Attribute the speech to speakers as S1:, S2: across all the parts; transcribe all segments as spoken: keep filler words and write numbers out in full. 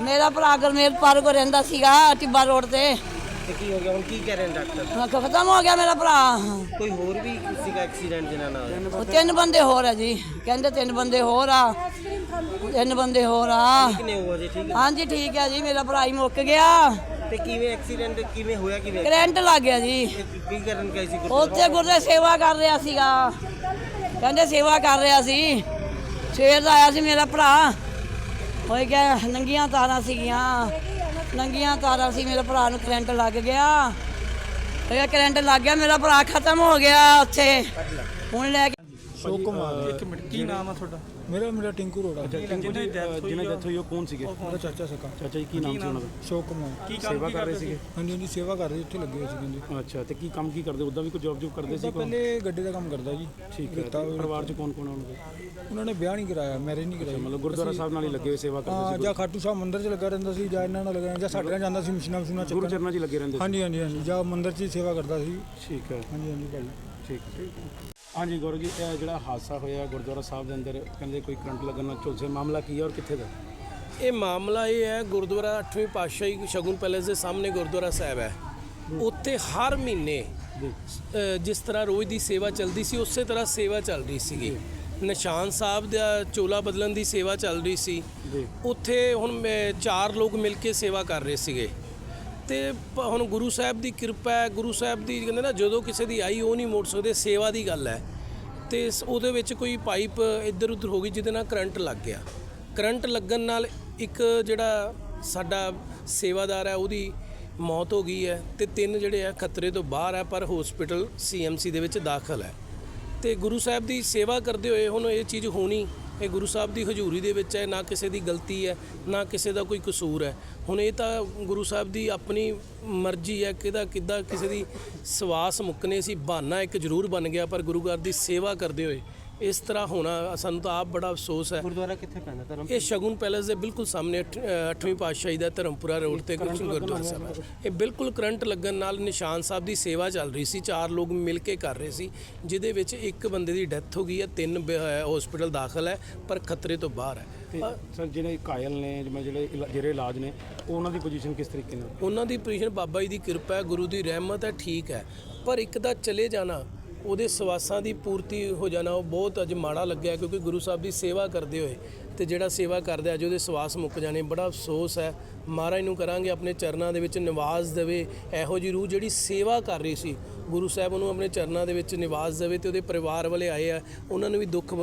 S1: ਮੇਰਾ ਭਰਾ ਗੁਰਮੇਲ ਪਾਰ ਕੋ ਰਹਿੰਦਾ ਸੀਗਾ ਟਿੱਬਾ ਰੋਡ ਤੇ।
S2: ਤੇ ਕੀ ਹੋ ਗਿਆ ਹੁਣ, ਕੀ ਕਹਿ ਰਹੇ ਨੇ ਡਾਕਟਰ?
S1: ਹਾਂ, ਖਤਮ ਹੋ ਗਿਆ ਮੇਰਾ ਭਰਾ।
S2: ਕੋਈ ਹੋਰ ਵੀ ਸੀਗਾ ਐਕਸੀਡੈਂਟ ਜਿਹਨਾਂ ਨਾਲ ਹੋਇਆ?
S1: ਉਹ ਤਿੰਨ ਬੰਦੇ ਹੋਰ ਆ ਜੀ, ਕਹਿੰਦੇ ਤਿੰਨ ਬੰਦੇ ਹੋਰ ਆ, ਤਿੰਨ ਬੰਦੇ ਹੋਰ ਆ।
S2: ਕਿੰਨੇ ਹੋ ਜੀ? ਠੀਕ ਹੈ।
S1: ਹਾਂਜੀ ਠੀਕ ਹੈ ਜੀ, ਮੇਰਾ ਭਰਾ ਹੀ ਮੁੱਕ ਗਿਆ।
S2: ਤੇ ਕਿਵੇਂ ਐਕਸੀਡੈਂਟ ਕਿਵੇਂ ਹੋਇਆ? ਕਿਵੇਂ
S1: ਕਰੰਟ ਲੱਗ ਗਿਆ ਜੀ।
S2: ਕੀ ਕਰਨ ਗਏ ਸੀ?
S1: ਉੱਥੇ ਗੁਰਦੇ ਸੇਵਾ ਕਰ ਰਿਹਾ ਸੀਗਾ, ਕਹਿੰਦੇ ਸੇਵਾ ਕਰ ਰਿਹਾ ਸੀ। ਸਵੇਰ ਦਾ ਆਇਆ ਸੀ ਮੇਰਾ ਭਰਾ, ਹੋਏ ਗਿਆ ਨੰਗੀਆਂ ਤਾਰਾਂ ਸੀਗੀਆਂ, ਨੰਗੀਆਂ ਤਾਰਾਂ ਸੀ। ਮੇਰੇ ਭਰਾ ਨੂੰ ਕਰੰਟ ਲੱਗ ਗਿਆ, ਹੋਇਆ ਕਰੰਟ ਲੱਗ ਗਿਆ, ਮੇਰਾ ਭਰਾ ਖਤਮ ਹੋ ਗਿਆ ਉੱਥੇ। ਹੁਣ ਲੈ ਕੇ
S3: ਸ਼ੋਕ ਕੁਮਾਰ।
S4: ਇੱਕ ਮਿੰਟ, ਕੀ ਨਾਮ ਆ ਤੁਹਾਡਾ?
S3: ਮੇਰਾ ਮੇਰਾ ਟਿੰਕੂ ਰੋੜਾ।
S4: ਜਿਹਨੇ ਡੈਥ ਹੋਈ ਉਹ ਕੌਣ ਸੀਗੇ?
S3: ਮੇਰਾ ਚਾਚਾ ਸਕਾ।
S4: ਚਾਚਾ ਜੀ, ਕੀ ਨਾਮ ਸੀ ਉਹਨਾਂ ਦਾ?
S3: ਸ਼ੋਕ ਕੁਮਾਰ।
S4: ਕੀ ਸੇਵਾ ਕਰ ਰਹੇ ਸੀਗੇ?
S3: ਹਾਂਜੀ ਹਾਂਜੀ, ਸੇਵਾ ਕਰਦੇ ਉੱਥੇ ਲੱਗੇ ਹੋਏ ਸੀ ਕਹਿੰਦੇ।
S4: ਅੱਛਾ, ਤੇ ਕੀ ਕੰਮ ਕੀ ਕਰਦੇ? ਉਦਾਂ ਵੀ ਕੋਈ ਜੌਬ ਜੂਬ ਕਰਦੇ ਸੀ?
S3: ਪਹਿਲੇ ਗੱਡੀ ਦਾ ਕੰਮ ਕਰਦਾ ਜੀ।
S4: ਠੀਕ ਹੈ। ਪਰਿਵਾਰ 'ਚ ਕੌਣ ਕੌਣ ਆ ਉਹਨਾਂ ਦੇ?
S3: ਉਹਨਾਂ ਨੇ ਵਿਆਹ ਨਹੀਂ ਕਰਾਇਆ, ਮੈਰਿਜ ਨਹੀਂ ਕਰਾਈ।
S4: ਮਤਲਬ ਗੁਰਦੁਆਰਾ ਸਾਹਿਬ ਨਾਲ ਹੀ ਲੱਗੇ ਹੋਏ ਸੇਵਾ ਕਰਦੇ
S3: ਹਾਂ, ਜਾਂ ਖਾਟੂ ਸਾਹਿਬ ਮੰਦਿਰ 'ਚ ਲੱਗਾ ਰਹਿੰਦਾ ਸੀ, ਜਾਂ ਇਹਨਾਂ ਨਾਲ ਲੱਗਾ, ਜਾਂ ਸਾਡੇ ਨਾਲ ਜਾਂਦਾ ਸੀ ਮਸ਼ੀਨਾਂ ਮਸ਼ੀਨਾਂ
S4: ਗੁਰੂ
S3: ਚੱਕਣ।
S4: ਚਰਨਾਂ 'ਚ ਲੱਗੇ ਰਹਿੰਦੇ ਸੀ?
S3: ਹਾਂਜੀ ਹਾਂਜੀ ਹਾਂਜੀ, ਜਾਂ ਮੰਦਿਰ 'ਚ ਹੀ ਸੇਵਾ ਕਰਦਾ ਸੀ।
S4: ਠੀਕ ਹੈ।
S3: ਹਾਂਜੀ ਹਾਂਜੀ ਭਾਈ।
S4: ਠੀਕ ਠੀਕ। ਹਾਂਜੀ ਗੌਰਵ ਜੀ, ਇਹ ਜਿਹੜਾ ਹਾਦਸਾ ਹੋਇਆ ਗੁਰਦੁਆਰਾ ਸਾਹਿਬ ਦੇ ਅੰਦਰ, ਕਹਿੰਦੇ ਕੋਈ ਕਰੰਟ ਲੱਗਣ ਨਾਲ ਝੁਲਸੇ, ਮਾਮਲਾ ਕੀ ਹੈ ਔਰ ਕਿੱਥੇ ਦਾ?
S5: ਇਹ ਮਾਮਲਾ ਇਹ ਹੈ, ਗੁਰਦੁਆਰਾ ਅੱਠਵੀਂ ਪਾਤਸ਼ਾਹੀ ਸ਼ਗੁਨ ਪੈਲੇਸ ਦੇ ਸਾਹਮਣੇ ਗੁਰਦੁਆਰਾ ਸਾਹਿਬ ਹੈ। ਉੱਥੇ ਹਰ ਮਹੀਨੇ ਅ, ਜਿਸ ਤਰ੍ਹਾਂ ਰੋਜ਼ ਦੀ ਸੇਵਾ ਚੱਲਦੀ ਸੀ, ਉਸੇ ਤਰ੍ਹਾਂ ਸੇਵਾ ਚੱਲ ਰਹੀ ਸੀਗੀ। ਨਿਸ਼ਾਨ ਸਾਹਿਬ ਦਾ ਚੋਲਾ ਬਦਲਣ ਦੀ ਸੇਵਾ ਚੱਲ ਰਹੀ ਸੀ। ਉੱਥੇ ਹੁਣ ਮੈਂ- ਚਾਰ ਲੋਕ ਮਿਲ ਕੇ ਸੇਵਾ ਕਰ ਰਹੇ ਸੀਗੇ। ਤੇ ਪ- ਹੁਣ ਗੁਰੂ ਸਾਹਿਬ ਦੀ ਕਿਰਪਾ ਹੈ, ਗੁਰੂ ਸਾਹਿਬ ਦੀ ਕਹਿੰਦੇ ਨਾ, ਜਦੋਂ ਕਿਸੇ ਦੀ ਆਈ ਉਹ ਨਹੀਂ ਮੋੜ ਸਕਦੇ, ਸੇਵਾ ਦੀ ਗੱਲ ਹੈ। ਤੇ ਸ- ਉਹਦੇ ਵਿੱਚ ਕੋਈ ਪਾਈਪ ਇੱਧਰ ਉੱਧਰ ਹੋ ਗਈ, ਜਿਹਦੇ ਨਾਲ ਕਰੰਟ ਲੱਗ ਗਿਆ। ਕਰੰਟ ਲੱਗਣ ਨਾਲ ਇੱਕ ਜਿਹੜਾ ਸਾਡਾ ਸੇਵਾਦਾਰ ਹੈ ਉਹਦੀ ਮੌਤ ਹੋ ਗਈ ਹੈ, ਤੇ ਤਿੰਨ ਜਿਹੜੇ ਆ ਖਤਰੇ ਤੋਂ ਬਾਹਰ ਹੈ, ਪਰ ਹਸਪੀਟਲ ਸੀ ਐਮ ਸੀ ਦੇ ਵਿੱਚ ਦਾਖਲ ਹੈ। ਤੇ ਗੁਰੂ ਸਾਹਿਬ ਦੀ ਸੇਵਾ ਕਰਦੇ ਹੋਏ ਹੁਣ ਇਹ ਚੀਜ਼ ਹੋਣੀ, ਇਹ ਗੁਰੂ ਸਾਹਿਬ ਦੀ ਹਜ਼ੂਰੀ ਦੇ ਵਿੱਚ ਹੈ, ਨਾ ਕਿਸੇ ਦੀ ਗਲਤੀ ਹੈ, ਨਾ ਕਿਸੇ ਦਾ ਕੋਈ ਕਸੂਰ ਹੈ। ਹੁਣ ਇਹ ਤਾਂ ਗੁਰੂ ਸਾਹਿਬ ਦੀ ਆਪਣੀ ਮਰਜ਼ੀ ਹੈ, ਕਿਹਦਾ ਕਿੱਦਾਂ ਕਿਸੇ ਦੀ ਸਵਾਸ ਮੁੱਕਨੇ ਸੀ। ਬਹਾਨਾ ਇੱਕ ਜ਼ਰੂਰ ਬਣ ਗਿਆ, ਪਰ ਗੁਰੂ ਘਰ ਦੀ ਸੇਵਾ ਕਰਦੇ ਹੋਏ ਇਸ ਤਰ੍ਹਾਂ ਹੋਣਾ, ਸਾਨੂੰ ਤਾਂ ਆਪ ਬੜਾ ਅਫਸੋਸ ਹੈ।
S2: ਗੁਰਦੁਆਰਾ ਕਿੱਥੇ ਪੈਂਦਾ? ਧਰਮ
S5: ਇਹ ਸ਼ਗੁਨ ਪੈਲੇਸ ਦੇ ਬਿਲਕੁਲ ਸਾਹਮਣੇ ਅੱਠ- ਅ, ਅੱਠਵੀਂ ਪਾਤਸ਼ਾਹੀ ਦਾ ਧਰਮਪੁਰਾ ਰੋਡ ਤੇ ਗੁਰਦੁਆਰਾ ਸਾਹਿਬ ਹੈ। ਇਹ ਬਿਲਕੁਲ ਕਰੰਟ ਲੱਗਣ ਨਾਲ ਨਿਸ਼ਾਨ ਸਾਹਿਬ ਦੀ ਸੇਵਾ ਚੱਲ ਰਹੀ ਸੀ, ਚਾਰ ਲੋਕ ਮਿਲ ਕੇ ਕਰ ਰਹੇ ਸੀ, ਜਿਹਦੇ ਵਿੱਚ ਇੱਕ ਬੰਦੇ ਦੀ ਡੈਥ ਹੋ ਗਈ ਹੈ, ਤਿੰਨ ਹਸਪੀਟਲ ਦਾਖਲ ਹੈ, ਪਰ ਖਤਰੇ ਤੋਂ ਬਾਹਰ ਹੈ।
S4: ਤੇ ਸਰ ਜਿਹੜੇ ਕਾਇਲ ਨੇ, ਜਿਵੇਂ ਜਿਹੜੇ ਇਲਾ- ਜਿਹੜੇ ਇਲਾਜ ਨੇ, ਉਹ ਉਹਨਾਂ ਦੀ ਪੋਜੀਸ਼ਨ ਕਿਸ ਤਰੀਕੇ ਨਾਲ?
S5: ਉਹਨਾਂ ਦੀ ਪੋਜੀਸ਼ਨ ਬਾਬਾ ਜੀ ਦੀ ਕਿਰਪਾ ਹੈ, ਗੁਰੂ ਦੀ ਰਹਿਮਤ ਹੈ, ਠੀਕ ਹੈ। ਪਰ ਇੱਕ ਦਾ ਚਲੇ ਜਾਣਾ, ਉਹਦੇ ਸਵਾਸਾਂ ਦੀ ਪੂਰਤੀ ਹੋ ਜਾਣਾ, ਉਹ ਬਹੁਤ ਅੱਜ ਮਾੜਾ ਲੱਗਿਆ, ਕਿਉਂਕਿ ਗੁਰੂ ਸਾਹਿਬ ਦੀ ਸੇਵਾ ਕਰਦੇ ਹੋਏ ਤੇ ਜਿਹੜਾ ਸੇਵਾ ਕਰਦੇ ਅੱਜ ਉਹਦੇ ਸਵਾਸ ਮੁੱਕ ਜਾਣੇ, ਬੜਾ ਅਫਸੋਸ ਹੈ। ਮਹਾਰਾਜ ਨੂੰ ਕਰਾਂਗੇ ਆਪਣੇ ਚਰਨਾਂ ਦੇ ਵਿੱਚ ਨਿਵਾਸ ਦੇਵੇ, ਇਹੋ ਜਿਹੀ ਰੂਹ ਜਿਹੜੀ ਸੇਵਾ ਕਰ ਰਹੀ ਸੀ, ਗੁਰੂ ਸਾਹਿਬ ਉਹਨੂੰ ਆਪਣੇ ਚਰਨਾਂ ਦੇ ਵਿੱਚ ਨਿਵਾਸ ਦੇਵੇ। ਤੇ ਉਹਦੇ ਪਰਿਵਾਰ ਵਾਲੇ ਆਏ ਆ, ਉਹਨਾਂ ਨੂੰ ਵੀ ਦੁੱਖ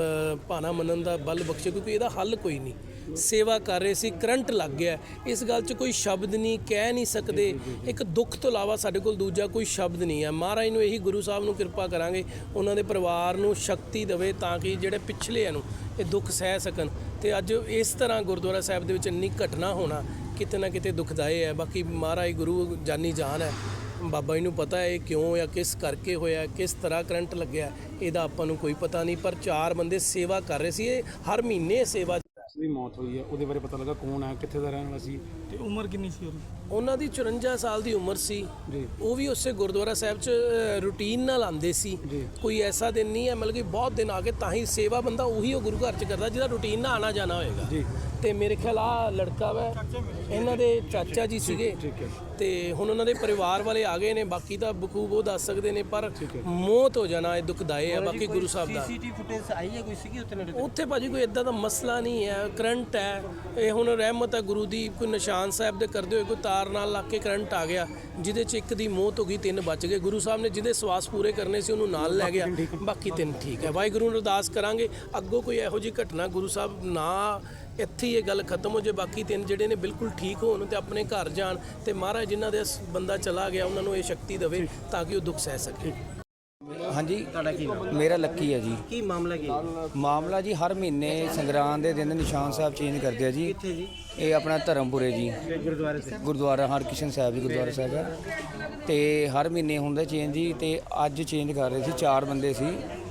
S5: ਭਾਣਾ ਮੰਨਣ ਦਾ ਬਲ ਬਖਸ਼ੇ, ਕਿਉਂਕਿ ਇਹਦਾ ਹੱਲ ਕੋਈ ਨਹੀਂ। ਸੇਵਾ ਕਰ ਰਹੇ ਸੀ, ਕਰੰਟ ਲੱਗ ਗਿਆ, ਇਸ ਗੱਲ 'ਚ ਕੋਈ ਸ਼ਬਦ ਨਹੀਂ, ਕਹਿ ਨਹੀਂ ਸਕਦੇ। ਇੱਕ ਦੁੱਖ ਤੋਂ ਇਲਾਵਾ ਸਾਡੇ ਕੋਲ ਦੂਜਾ ਕੋਈ ਸ਼ਬਦ ਨਹੀਂ ਹੈ। ਮਹਾਰਾਜ ਨੂੰ ਇਹੀ, ਗੁਰੂ ਸਾਹਿਬ ਨੂੰ ਕਿਰਪਾ ਕਰਾਂਗੇ, ਉਹਨਾਂ ਦੇ ਪਰਿਵਾਰ ਨੂੰ ਸ਼ਕਤੀ ਦੇਵੇ, ਤਾਂ ਕਿ ਜਿਹੜੇ ਪਿਛਲੇ ਨੂੰ ਇਹ ਦੁੱਖ ਸਹਿ ਸਕਣ। ਤੇ ਅੱਜ ਇਸ ਤਰ੍ਹਾਂ ਗੁਰਦੁਆਰਾ ਸਾਹਿਬ ਦੇ ਵਿੱਚ ਇੰਨੀ ਘਟਨਾ ਹੋਣਾ ਕਿਤੇ ਨਾ ਕਿਤੇ ਦੁਖਦਾਈ ਹੈ। ਬਾਕੀ ਮਹਾਰਾਜ ਗੁਰੂ ਜਾਨੀ ਜਾਨ ਹੈ, ਬਾਬਾ ਜੀ ਨੂੰ ਪਤਾ ਹੈ ਇਹ ਕਿਉਂ ਜਾਂ ਕਿਸ ਕਰਕੇ ਹੋਇਆ, ਕਿਸ ਤਰ੍ਹਾਂ ਕਰੰਟ ਲੱਗਿਆ, ਇਹਦਾ ਆਪਾਂ ਨੂੰ ਕੋਈ ਪਤਾ ਨਹੀਂ। ਪਰ ਚਾਰ ਬੰਦੇ ਸੇਵਾ ਕਰ ਰਹੇ ਸੀ, ਇਹ ਹਰ ਮਹੀਨੇ ਸੇਵਾ
S4: ਦੀ ਮੌਤ ਹੋਈ ਹੈ, ਉਹਦੇ ਬਾਰੇ ਪਤਾ ਲੱਗਾ ਕੌਣ ਹੈ, ਕਿੱਥੇ ਦਾ ਰਹਿਣ ਵਾਲਾ ਸੀ,
S3: ਤੇ ਉਮਰ ਕਿੰਨੀ ਸੀ ਉਹਦੀ?
S5: ਉਹਨਾਂ ਦੀ ਚੁਰੰਜਾ ਸਾਲ ਦੀ ਉਮਰ ਸੀ
S4: ਜੀ।
S5: ਉਹ ਵੀ ਉਸੇ ਗੁਰਦੁਆਰਾ ਸਾਹਿਬ 'ਚ ਰੂਟੀਨ ਨਾਲ ਆਉਂਦੇ ਸੀ। ਕੋਈ ਐਸਾ ਦਿਨ ਨਹੀਂ ਹੈ, ਮਤਲਬ ਕਿ ਬਹੁਤ ਦਿਨ ਆ ਕੇ ਤਾਂ ਹੀ ਸੇਵਾ ਬੰਦਾ ਉਹੀ ਉਹ ਗੁਰੂ ਘਰ 'ਚ ਕਰਦਾ ਜਿਹਦਾ ਰੂਟੀਨ ਨਾਲ ਆਣਾ ਜਾਣਾ ਹੋਏਗਾ।
S4: ਜੀ।
S5: ਤੇ ਮੇਰੇ ਖਿਆਲ ਆ ਲੜਕਾ ਵਾ, ਇਹਨਾਂ ਦੇ ਚਾਚਾ ਜੀ ਸੀਗੇ।
S4: ਠੀਕ ਹੈ।
S5: ਤੇ ਹੁਣ ਉਹਨਾਂ ਦੇ ਪਰਿਵਾਰ ਵਾਲੇ ਆ ਗਏ ਨੇ, ਬਾਕੀ ਤਾਂ ਬਖੂਬ ਉਹ ਦੱਸ ਸਕਦੇ ਨੇ, ਪਰ ਮੌਤ ਹੋ ਜਾਣਾ ਇਹ ਦੁਖਦਾਈ ਹੈ। ਬਾਕੀ ਗੁਰੂ ਸਾਹਿਬ ਦਾ
S2: ਸੀਸੀਟੀਵੀ ਫੁਟੇਜ ਆਈ ਹੈ ਕੋਈ ਸੀਗੀ ਉੱਥੇ ਨੇੜੇ?
S5: ਉੱਥੇ ਭਾਜੀ ਕੋਈ ਇਦਾਂ ਦਾ ਮਸਲਾ ਨਹੀਂ ਹੈ, ਕਰੰਟ ਹੈ। ਇਹ ਹੁਣ ਰਹਿਮਤ ਹੈ ਗੁਰੂ ਦੀ, ਕੋਈ ਨਿਸ਼ਾਨ ਸਾਹਿਬ ਦੇ ਕਰਦੇ ਹੋਏ ਕੋਈ ਤਾਰ ਨਾਲ ਲੱਗ ਕੇ ਕਰੰਟ ਆ ਗਿਆ, ਜਿਹਦੇ 'ਚ ਇੱਕ ਦੀ ਮੌਤ ਹੋ ਗਈ, ਤਿੰਨ ਬਚ ਗਏ। ਗੁਰੂ ਸਾਹਿਬ ਨੇ ਜਿਹਦੇ ਸਵਾਸ ਪੂਰੇ ਕਰਨੇ ਸੀ ਉਹਨੂੰ ਨਾਲ ਲੈ ਗਿਆ, ਬਾਕੀ ਤਿੰਨ ਠੀਕ ਹੈ। ਵਾਹਿਗੁਰੂ ਨੂੰ ਅਰਦਾਸ ਕਰਾਂਗੇ ਅੱਗੋਂ ਕੋਈ ਇਹੋ ਜਿਹੀ ਘਟਨਾ ਗੁਰੂ ਸਾਹਿਬ ਨਾ, ਇੱਥੇ ਹੀ ਇਹ ਗੱਲ ਖਤਮ ਹੋ ਜੇ, ਬਾਕੀ ਤਿੰਨ ਜਿਹੜੇ ਨੇ ਬਿਲਕੁਲ ਠੀਕ ਹੋਣ ਤੇ ਆਪਣੇ ਘਰ ਜਾਣ, ਤੇ ਮਹਾਰਾਜ ਜਿਨ੍ਹਾਂ ਦੇ ਬੰਦਾ ਚਲਾ ਗਿਆ ਉਹਨਾਂ ਨੂੰ ਇਹ ਸ਼ਕਤੀ ਦੇਵੇ ਤਾਂ ਕਿ ਉਹ ਦੁੱਖ ਸਹਿ ਸਕੇ।
S6: ਹਾਂਜੀ,
S2: ਤੁਹਾਡਾ ਕੀ ਨਾਮ?
S6: ਮੇਰਾ ਲੱਕੀ ਹੈ ਜੀ।
S2: ਕੀ ਮਾਮਲਾ ਕੀ ਹੈ?
S6: ਮਾਮਲਾ ਜੀ ਹਰ ਮਹੀਨੇ ਸੰਗਰਾਂਦ ਦੇ ਦਿਨ ਨਿਸ਼ਾਨ ਸਾਹਿਬ ਚੇਂਜ ਕਰਦੇ ਆ ਜੀ।
S2: ਕਿੱਥੇ ਜੀ?
S6: ਇਹ ਆਪਣਾ ਧਰਮਪੁਰੇ ਜੀ,
S2: ਗੁਰਦੁਆਰੇ ਸੇ
S6: ਗੁਰਦੁਆਰਾ ਹਰਕ੍ਰਿਸ਼ਨ ਸਾਹਿਬ ਜੀ ਗੁਰਦੁਆਰਾ ਸਾਹਿਬ ਹੈ। ਤੇ ਹਰ ਮਹੀਨੇ ਹੁੰਦਾ ਚੇਂਜ ਜੀ, ਤੇ ਅੱਜ ਚੇਂਜ ਕਰ ਰਹੇ ਸੀ, ਚਾਰ ਬੰਦੇ ਸੀ।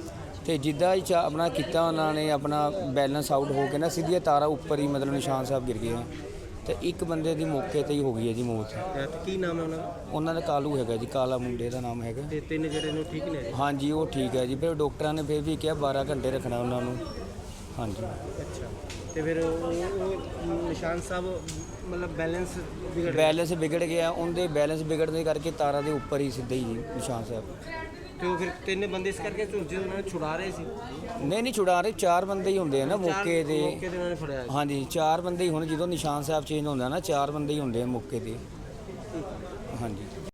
S6: ਤੇ ਜਿੱਦਾਂ ਹੀ ਚਾ ਆਪਣਾ ਕੀਤਾ ਉਹਨਾਂ ਨੇ, ਆਪਣਾ ਬੈਲੈਂਸ ਆਊਟ ਹੋ ਕੇ ਨਾ ਸਿੱਧੀਆਂ ਤਾਰਾਂ ਉੱਪਰ ਹੀ ਮਤਲਬ ਨਿਸ਼ਾਨ ਸਾਹਿਬ ਗਿਰ ਗਏ। ਤੇ ਇੱਕ ਬੰਦੇ ਦੀ ਮੌਕੇ ਤੇ ਹੀ ਹੋ ਗਈ ਹੈ ਜੀ ਮੌਤ।
S2: ਤੇ ਕੀ ਨਾਮ ਹੈ ਉਹਨਾਂ ਦਾ?
S6: ਉਹਨਾਂ ਦਾ ਕਾਲੂ ਹੈਗਾ ਜੀ, ਕਾਲਾ ਮੁੰਡੇ ਦਾ ਨਾਮ ਹੈਗਾ।
S2: ਤੇ ਤਿੰਨ ਜਿਹੜੇ ਨੂੰ ਠੀਕ ਨੇ?
S6: ਹਾਂਜੀ ਉਹ ਠੀਕ ਹੈ ਜੀ। ਫਿਰ ਡਾਕਟਰਾਂ ਨੇ ਫਿਰ ਵੀ ਕਿਹਾ ਬਾਰਾਂ ਘੰਟੇ ਰੱਖਣਾ ਉਹਨਾਂ ਨੂੰ। ਹਾਂਜੀ।
S2: ਅੱਛਾ। ਤੇ ਫਿਰ ਉਹ ਉਹ ਨਿਸ਼ਾਨ ਸਾਹਿਬ ਮਤਲਬ ਬੈਲੈਂਸ ਵਿਗੜ ਗਿਆ
S6: ਬੈਲੈਂਸ ਵਿਗੜ ਗਿਆ, ਉਹਦੇ ਬੈਲੈਂਸ ਵਿਗੜਨ ਦੇ ਕਰਕੇ ਤਾਰਾਂ ਦੇ ਉੱਪਰ ਹੀ ਸਿੱਧੇ ਹੀ ਜੀ ਨਿਸ਼ਾਨ ਸਾਹਿਬ।
S2: ਤੇ ਉਹ ਫਿਰ ਤਿੰਨ ਬੰਦੇ ਇਸ ਕਰਕੇ ਝੁਲਸੇ ਉਹਨਾਂ ਨੂੰ ਛੁਡਾ ਰਹੇ ਸੀ।
S6: ਨਹੀਂ ਨਹੀਂ ਛੁਡਾ ਰਹੇ, ਚਾਰ ਬੰਦੇ ਹੀ ਹੁੰਦੇ ਆ ਨਾ ਮੌਕੇ
S2: ਚਾਰ
S6: ਤੇ।
S2: ਮੌਕੇ ਤੇ ਉਹਨਾਂ ਨੇ ਫੜਿਆ ਸੀ।
S6: ਹਾਂਜੀ ਚਾਰ ਬੰਦੇ ਹੀ ਹੁਣ ਜਦੋਂ ਨਿਸ਼ਾਨ ਸਾਹਿਬ ਚੇਂਜ ਹੁੰਦਾ ਨਾ ਚਾਰ ਬੰਦੇ ਹੀ ਹੁੰਦੇ ਆ ਮੌਕੇ ਤੇ। ਹਾਂਜੀ।